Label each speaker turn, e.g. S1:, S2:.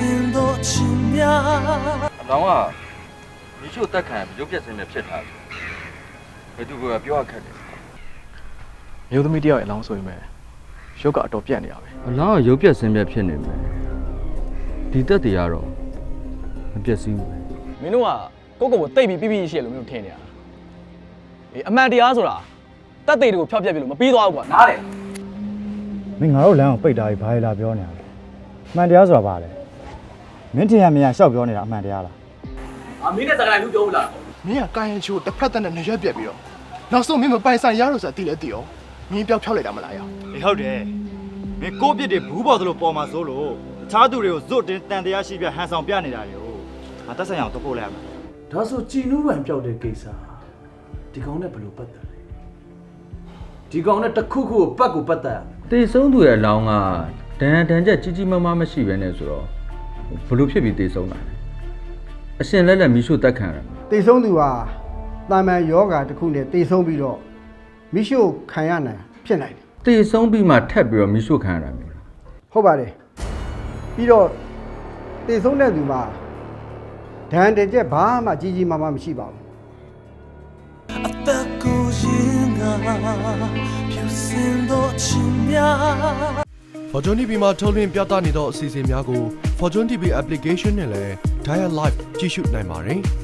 S1: လောင်းကမိချိုတက်ခံရုပ်ပြက်စင်းနဲ့ဖြစ်ထားတယ်ဘယ်သူကပြောရခက်တယ်
S2: မျိုးသမီးတယောက်ရဲ့အလောင်းဆိုရင်ပဲရုပ်ကအတော်ပြတ်နေရပဲ
S1: အလောင်းကရုပ်ပြက်စင်းပြက်ဖြစ်နေမယ်ဒီတက်တွေကတော့မပြက်စင်းဘူး
S2: မင်းတို့ကကိုကိုတိတ်ပြီးပြပြရှိရလို့မင်းတို့ထင်နေရတာအေးအမှန်တရားဆိုတာတက်သေးတွေကိုဖျောက်ပြက်ပြီလို့မပြီးသွားဘူးကွာနားတယ်
S3: မင်းငါတို့လမ်းကိုပိတ်တာကြီးဘာလဲလာပြောနေရလဲအမှန်တရားဆိုတာဘာလဲမင်းထင်ရမြင်ရရှောက်ပြောနေတာအမှန်တရားလား
S2: မင်းနဲ့စကားလူပြောဘူးလား
S4: မင်းကကာယံချိုတစ်ဖက်သက်နဲ့နေရွက်ပြက်ပြီးတော့နောက်ဆုံးမင်းမပိုင်ဆိုင်ရလို့ဆိုတာသိလဲသိအောင်မင်းပြောက်ဖြောက်လိုက်တာမလားရော
S3: အေးဟုတ်တယ်မင်းကိုပြစ်တွေဘူးပေါ်သလိုပေါ်မှာစိုးလို့တခြားသူတွေကိုဇွတ်တင်တန်တရားရှိပြဟန်ဆောင်ပြနေတာတွေကိုငါတက်ဆိုင်အောင်တော့ပို့လိုက်ရမယ်
S5: ဒါဆိုကြည်နူးပံပြောက်တဲ့ကိစ္စဒီကောင်နဲ့ဘယ်လိုပတ်သက်လဲဒီကောင်နဲ့တစ်ခုခုကိုပတ်ကိုပတ်သက်ရမယ်
S1: တေဆုံးသူရဲ့အလောင်းကဒဏ်ချက်ကြီးကြီးမားမားမရှိဘဲနဲ့ဆိုတော့ဘလို့ဖြစ်ပြီးတေဆုံးတာလဲအရှင်လက်လက်မိချိုတက်ခံရ
S6: တေဆုံးသူဟာတာမန်ယောဂါတစ်ခုနဲ့တေဆုံးပြီးတော့မိရှုခံရနိုင်ဖြစ်နိုင်တယ်
S1: တေဆုံးပြီးမှထပ်ပြီးတော့မိချိုခံရတာမျိုးလား
S6: ဟုတ်ပါတယ်ပြီးတော့တေဆုံးတဲ့သူမှာဒဏ်တင်ချက်ဘာမှကြီးကြီးမားမားမရှိပါဘူး
S4: Fortune TV မှာထုတ်လွှင့်ပြသနေသောအစီအစဉ်များကို Fortune TV application နဲ့လည်း Dial Live ကြည့်ရှုနိုင်ပါတယ်